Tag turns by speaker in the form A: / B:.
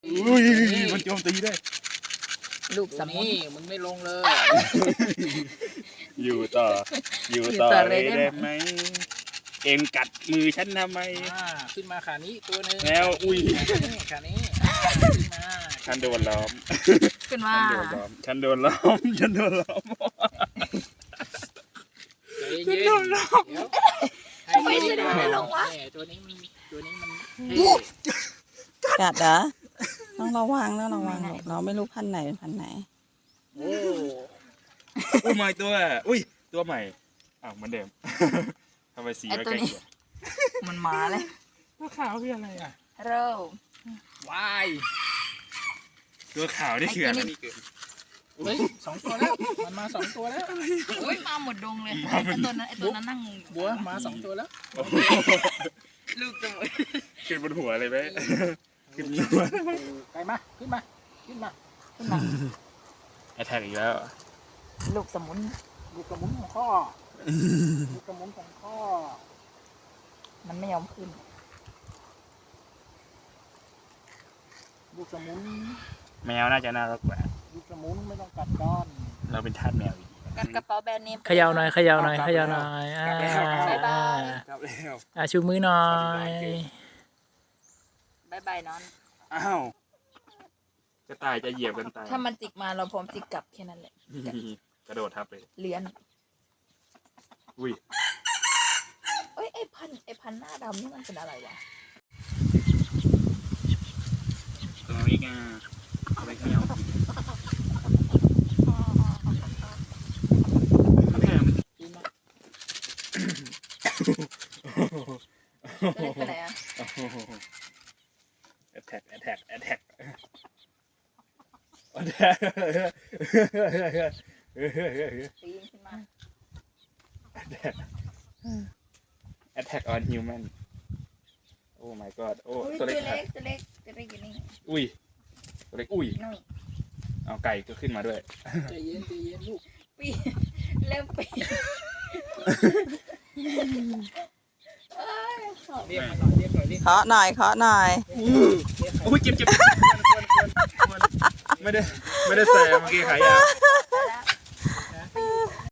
A: อุ้ยมันโจมตีได้
B: ลูกสมุน
C: นี่มึงไม่ลงเลย
A: อยู่ต่อเลยได้ไหมเอ็มกัดมือฉันทำไม
C: ขึ้นมาขานี้ตัวนึง
A: แล้วอุ้ย
C: ขานี้ขึ้นมา
A: ฉันโดนล้อม
B: ขึ้นมา
A: ฉันโดนล้อม
C: เย็นทำไมฉันไม่ลงวะตัวนี้มัน
B: กัดเหรอต้องระวังเราไม่รู้พันธุ์ไหนเป็นพันธุ์ไหน
C: โอ้
A: อุ้ยใหม่ตัวตัวใหม่อ้าวเหมือนเดิมทำไมสีไม่ใกล้เคียง
B: มันมาเลย
A: ตัวขาวคืออะไรอ่ะ
B: เริ่ม
C: วาย
A: ตัวขาวนี่คืออะไร
C: เฮ้ย2 ตัวแล้วมันมา2 ตัวแล้ว
B: อุ้ยมาหมดดงเลยไอ้ตัวนั้นนั่ง
C: บัวมา2 ตัวแล้ว
B: ลูกสมุน
A: ขึ้นบนหัวเลยไหมขึ้นบนหัว
C: ไปมาขึ้นมา
A: แอทแทกอีกแล้ว
B: ลูกสมุน
C: ลูกกระมุนของข้อลูกกระมุนของข้อ
B: มันไม่ยอมขึ้น
C: ลูกสมุน
A: แมวน่าจะน่ารักกว่า
C: ลูกสมุนไม่ต้องกัดก้อน
A: เราเป็นทาสแมวอีก
B: กันกระเป๋าแบรนด์เนม
D: เขย่าหน่อย
A: กลับแล้ว
D: ชูมือหน่อย
B: บายบายนอน
A: อ้าวกระต่ายจะเหยียบกันตาย
B: ถ้ามันจิกมาเราพร้อมจิกกลับแค่นั้นแหละ
A: กระโดดทับเลย
B: เลี้ยน
A: อุ้ย
B: เอ้ยไอ้พันหน้าดำนี่มันเป็นอะไรวะ
A: ตัวนี้ไงอะไรเงี้ยแม่มัน
C: ขึ้นมา
B: จะเล็กไปไหนอ่ะ
A: แอทแทก
B: ปีนขึ้นมา
A: Attack on human โอ้ my god โอ้
B: อุ้ย
A: ตัว
B: ตัว
A: เล็ก
B: เล็กอยู่นี่
A: อุ้ยตัวเล็กอุ้ย
B: นี่
A: เอาไก่ก็ขึ้นมาด้วย
C: ใจเย็นลูก
B: ปีนเริ่มปีน
C: เรียกหน่อยดิ
B: เคาะหน่อย
A: อุ้ยเจ็บไม่ได้ใส่เมื่อกี้ขายาว